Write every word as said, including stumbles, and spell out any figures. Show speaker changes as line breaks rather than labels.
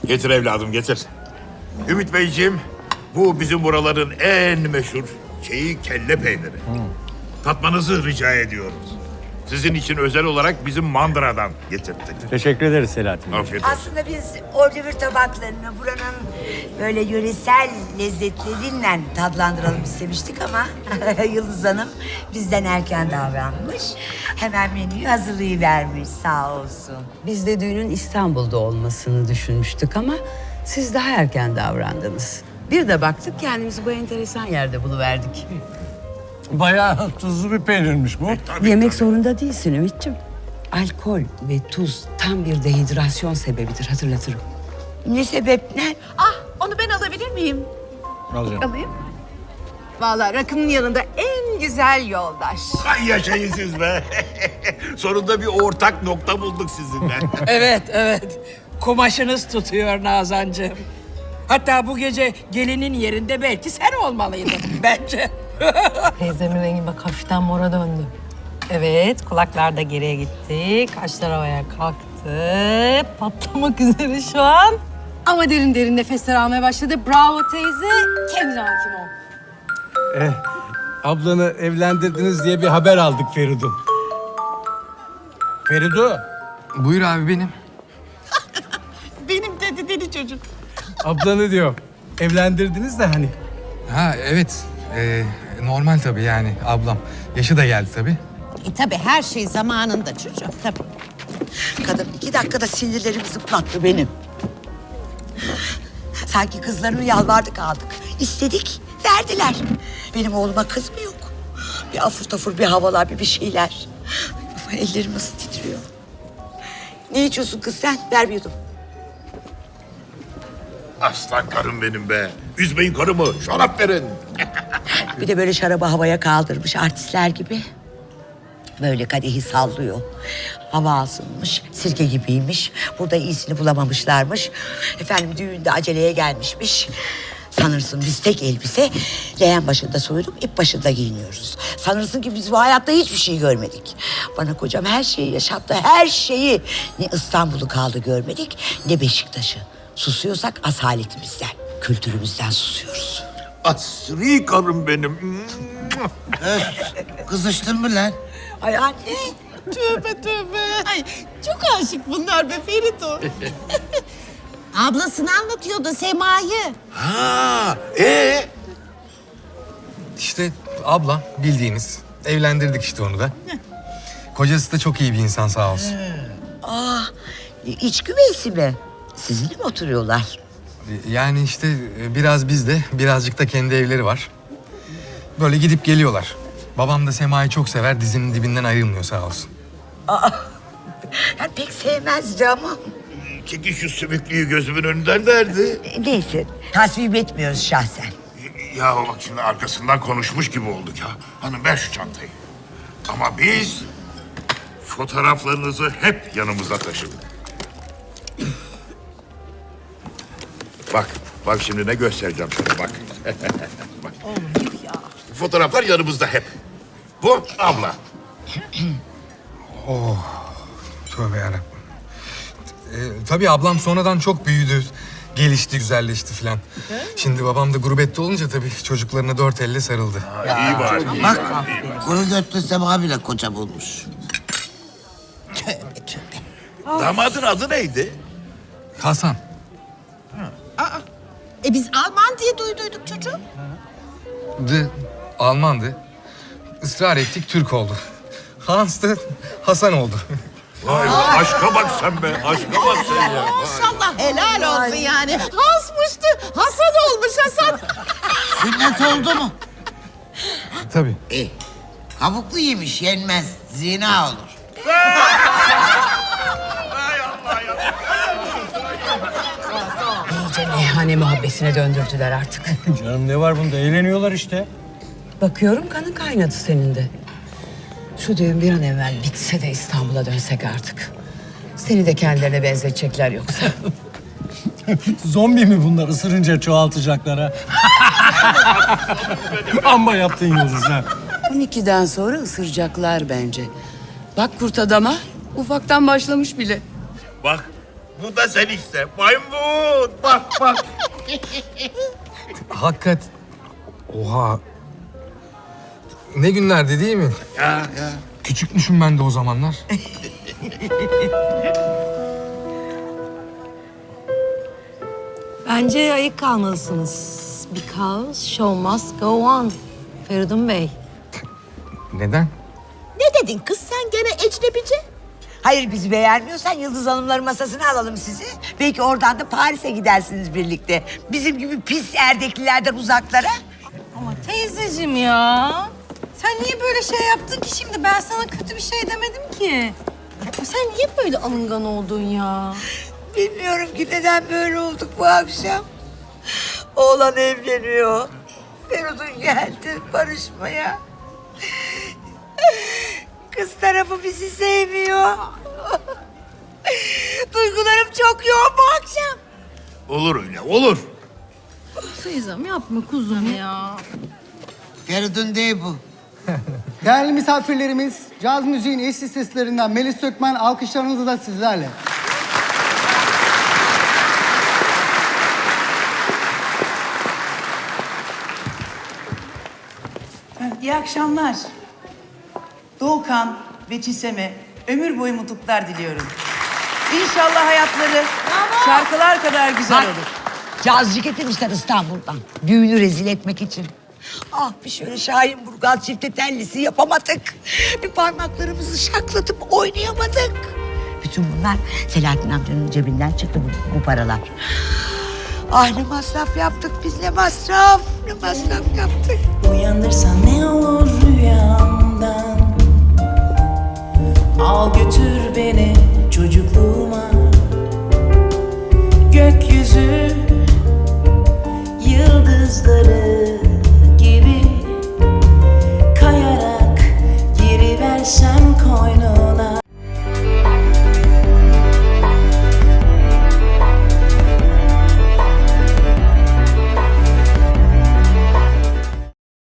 Getir evladım getir. Ümit Beyciğim, bu bizim buraların en meşhur şeyi kelle peyniri. Hmm. Tatmanızı rica ediyoruz. Sizin için özel olarak bizim mandıradan getirdik.
Teşekkür ederiz Selahattin Bey.
Afiyet olsun.
Aslında biz ordivür tabaklarını buranın böyle yöresel lezzetleriyle tadlandıralım istemiştik ama Yıldız Hanım bizden erken davranmış. Hemen menüyü hazırlayıvermiş sağ olsun.
Biz de düğünün İstanbul'da olmasını düşünmüştük ama siz daha erken davrandınız. Bir de baktık kendimizi bu enteresan yerde buluverdik.
Bayağı tuzlu bir peynirmiş bu.
Tabii,
Yemek
tabii.
zorunda değilsin Ümit'ciğim. Alkol ve tuz tam bir dehidrasyon sebebidir, hatırlatırım.
Ne sebep ne?
Ah, onu ben alabilir miyim?
Alacağım.
Alayım. Vallahi rakının yanında en güzel yoldaş.
Ay yaşayın siz be. Sonunda bir ortak nokta bulduk sizinle.
Evet, evet. Kumaşınız tutuyor Nazancığım. Hatta bu gece gelinin yerinde belki sen olmalıydın bence.
Teyzemin rengi bak hafiften mora döndü. Evet, kulaklar da geriye gitti. Kaşlar havaya kalktı. Patlamak üzere şu an. Ama derin derin nefesler almaya başladı. Bravo teyze. Kendine hakim ol.
Eh, ablanı evlendirdiniz diye bir haber aldık Feridun. Feridu,
Buyur abi benim.
Benim dedi deli çocuk.
ablanı diyor. Evlendirdiniz de hani.
Ha evet. Ee, normal tabii yani ablam. Yaşı da geldi tabii.
E tabii her şey zamanında çocuğum tabii.
Kadın iki dakikada sinirlerimi zıplattı benim. Sanki kızlarını yalvardık aldık. İstedik, verdiler. Benim oğluma kız mı yok? Bir afur tafur bir havalar, bir bir şeyler. Ellerim nasıl titriyor. Ne içiyorsun kız sen? Ver bir yudum.
Aslan karım benim be. Üzmeyin karımı, şarap verin.
Bir de böyle şarabı havaya kaldırmış artistler gibi. Böyle kadehi sallıyor. Hava asılmış, sirke gibiymiş. Burada iyisini bulamamışlarmış. Efendim düğünde aceleye gelmişmiş. Sanırsın biz tek elbise leğen başında soyunup ip başında giyiniyoruz. Sanırsın ki biz bu hayatta hiçbir şey görmedik. Bana kocam her şeyi yaşattı, her şeyi. Ne İstanbul'u kaldı görmedik, ne Beşiktaş'ı. Susuyorsak asaletimizden, kültürümüzden susuyoruz.
Asri karım benim.
Kızıştın mı lan?
Ay anne.
Tövbe tövbe. Ay çok aşık bunlar be Ferito.
Ablasını anlatıyordu Sema'yı.
Ha, ee?
İşte ablam bildiğiniz. Evlendirdik işte onu da. Kocası da çok iyi bir insan sağ olsun.
Aa, iç güveysi mi? Sizinle mi oturuyorlar?
Yani işte biraz bizde, birazcık da kendi evleri var. Böyle gidip geliyorlar. Babam da Sema'yı çok sever, dizinin dibinden ayrılmıyor sağ olsun.
Yani pek sevmezdi ama.
Çekin şu sümüklüyü gözümün önünden derdi.
Neyse, tasvip etmiyoruz şahsen.
Ya bak şimdi arkasından konuşmuş gibi olduk ya. Hanım ver şu çantayı. Ama biz fotoğraflarınızı hep yanımızda taşıdık. Bak, bak şimdi ne göstereceğim sana bak. Bak. Fotoğraflar yanımızda hep. Bu abla.
Tövbe yarabbim. Ee, tabii ablam sonradan çok büyüdü. Gelişti, güzelleşti filan. Şimdi babam da gurbette olunca tabii çocuklarına dört elle sarıldı.
İyi bari.
Bak, bunu dörtlü Sema bile koca bulmuş.
Damadın adı neydi?
Hasan.
E biz Alman diye duyduyduk çocuğum.
De Almandı. Israr ettik, Türk oldu. Hans da Hasan oldu.
Vay be, aşka bak sen be. Aşka bak sen ya. Vay.
Maşallah helal olsun yani. Hasmıştı. Hasan olmuş Hasan.
Sünnet oldu mu?
Tabii.
İyi. Kabuklu yemiş yenmez. Zina olur.
İyice meyhane muhabbesine döndürdüler artık.
Canım ne var bunda? Eğleniyorlar işte.
Bakıyorum kanın kaynadı senin de. Şu düğün bir an evvel bitse de İstanbul'a dönsek artık. Seni de kendilerine benzetecekler yoksa.
Zombi mi bunlar? Isırınca çoğaltacaklar ha. Amma yaptın Yıldız ha.
on ikiden sonra ısıracaklar bence. Bak kurt adama ufaktan başlamış bile.
Bak, Bu da sen işte. Maymun. Bak bak.
Hakikat. Oha. Ne günlerdi değil mi?
Ya ya.
Küçükmüşüm ben de o zamanlar.
Bence ayık kalmalısınız. Because show must go on. Feridun Bey.
Neden?
Ne dedin kız sen gene ecnebici?
Hayır bizi beğenmiyorsan Yıldız Hanımların masasına alalım sizi. Belki oradan da Paris'e gidersiniz birlikte. Bizim gibi pis erdeklilerden uzaklara.
Ama teyzeciğim ya. Sen niye böyle şey yaptın ki şimdi? Ben sana kötü bir şey demedim ki. Sen niye böyle alıngan oldun ya?
Bilmiyorum ki neden böyle olduk bu akşam. Oğlan evleniyor. Feridun geldi barışmaya. Kız tarafı bizi sevmiyor. Duygularım çok yoğun bu akşam.
Olur öyle olur.
Teyzem yapma kuzum ya.
Feridun değil bu.
Değerli misafirlerimiz, caz müziğin eşsiz seslerinden Melis Sökmen alkışlarınızı da sizlerle.
İyi akşamlar. Doğukan ve Çisem'e ömür boyu mutluluklar diliyorum. İnşallah hayatları şarkılar kadar güzel
Bak,
olur.
cazcı getirmişler İstanbul'dan. Düğünü rezil etmek için. Ah bir şöyle Şahin Burgaz çifte tellisi yapamadık. Bir parmaklarımızı şaklatıp oynayamadık. Bütün bunlar Selahattin amcanın cebinden çıktı bu, bu paralar. Ah ne masraf yaptık biz ne masraf, ne masraf yaptık.
Uyandırsan ne olur rüyamdan. Al götür beni çocukluğuma. Gökyüzü